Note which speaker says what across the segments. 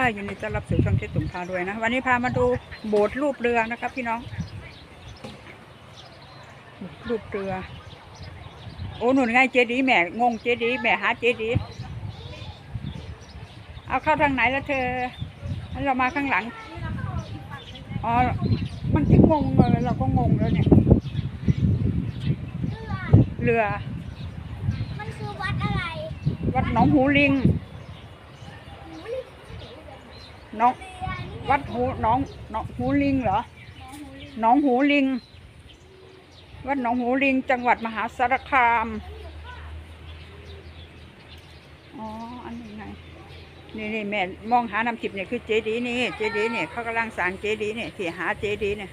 Speaker 1: ยินดีต้อนรับสู่ช่องเจ๊ตุ่มพารวยนะวันนี้พามาดูโบสถ์รูปเรือนะครับพี่น้องรูปเรือโอ้หนุนไงเจดีย์แม่งงเจดีย์แม่หาเจดีย์เอาเข้าทางไหนแล้วเธอเรามาข้างหลังอ๋อมันที่งงเลยเราก็งงแล้วเนี่ยเรือ
Speaker 2: มันคือวัดอะไร
Speaker 1: วัดหนองหูลิงน้องวัดหูลิงเหรอหนองหูลิงวัดหนองหูลิงจังหวัดมหาสารคามอ๋ออันนี้ไงนี่แม่มองหาน้ำทิพย์เนี่ยคือเจดีย์นี่เจดีย์เนี่ยเขากำลังสร้างเจดีย์เนี่ยที่หาเจดีย์เนี่ย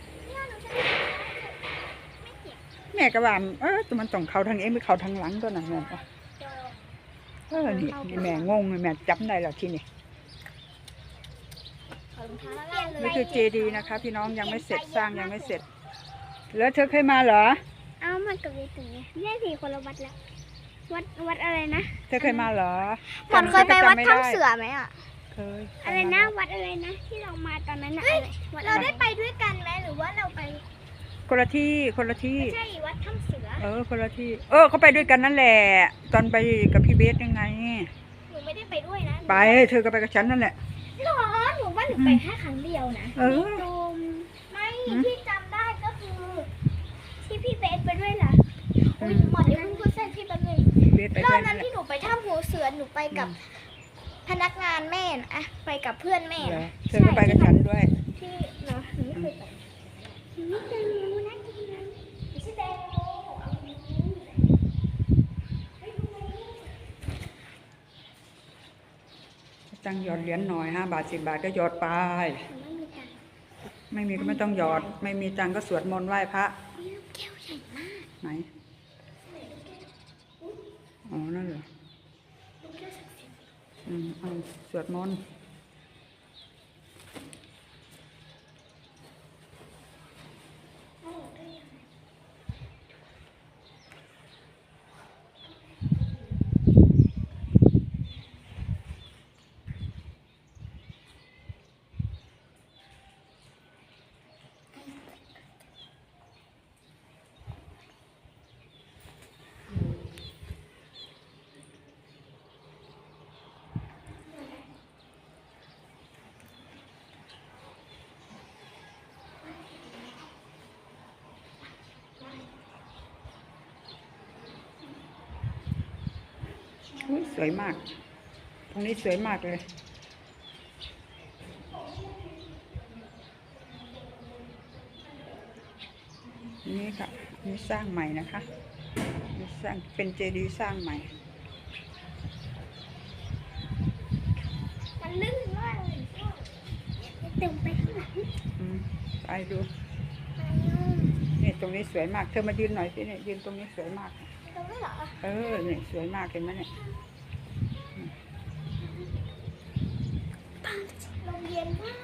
Speaker 1: แม่ก็ว่าแต่มันต้องเข้าทางเองไม่เข้าทางหลังตัวนั้นแม่นี่แม่งงแม่จำได้แล้วที่นี่นี่คือเจดีย์นะคะพี่น้องยังไม่เสร็จสร้างยังไม่เสร็จแล้วเธอเคยมาเหรอ
Speaker 2: เอ้ามันกับเวทีเนี่ยสี่คนละวัดแล้ววัดอะไรนะ
Speaker 1: เธอเคยมาเหรอ
Speaker 2: หมอนเคยไปวัดถ้ำเสือไหมอ่ะ
Speaker 1: เคย
Speaker 2: อะไรนะวัดอะไรนะที่เรามาตอนนั้นน่ะเราได้ไปด้วยกันไหมหรือว่าเราไป
Speaker 1: คนละที่
Speaker 2: ไม่ใช่วัดถ้ำเสือ
Speaker 1: คนละที่เขาไปด้วยกันนั่นแหละตอนไปกับพี่เบสยังไง
Speaker 2: หนูไม่ได้ไปด้วยนะ
Speaker 1: ไปเธอก็ไปกับฉันนั่นแหละ
Speaker 2: หรอหนูว่าหนูไปแค่ครั้งเดียวนะไม่ที่จำได้ก็คือที่พี่เบสไปด้วยล่ะหมดเดี๋ยวเพิ่งพูดเส้นพี่แป๊บนึงรอบนั้นที่หนูไปถ้ำหัวเสือหนูไปกับพนักงานแม่นะไปกับเพื่อนแม่
Speaker 1: เธอก็ไปกับฉันด้วย
Speaker 2: ที่เนาะหนูไม่เคยไปนี่แตงโมนะกินนะไม่ใช่แตงโม
Speaker 1: ตังหยอดเหรียญหน่อย5 บาท10 บาทก็หยอดไปไม่มีก็ไม่ต้องหยอดไม่มีตังก็สวดมนต์ไหว้พระ
Speaker 2: แก้วใหญ่มาก
Speaker 1: ไหนอ๋อนั่นเหรอเอาสวดมนต์สวยมากตรงนี้สวยมากเลยนี่ค่ะนี่สร้างใหม่นะคะนี่สร้างเป็นเจดีย์สร้างใหม่
Speaker 2: มันลื่นมากเลยเต็มไปข้างหลัง
Speaker 1: ไปดูนี่ตรงนี้สวยมากเธอมายืนหน่อยสิเนี่ยยืนตรงนี้สวยมาก
Speaker 2: ตรงนี้เหรอ
Speaker 1: นี่สวยมากเห็นไหมเนี่ย
Speaker 2: ลมเย็นมาก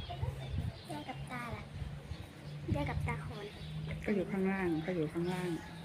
Speaker 2: ยายกับตาล่ะยายกับตาคน
Speaker 1: ก็อยู่ข้างล่าง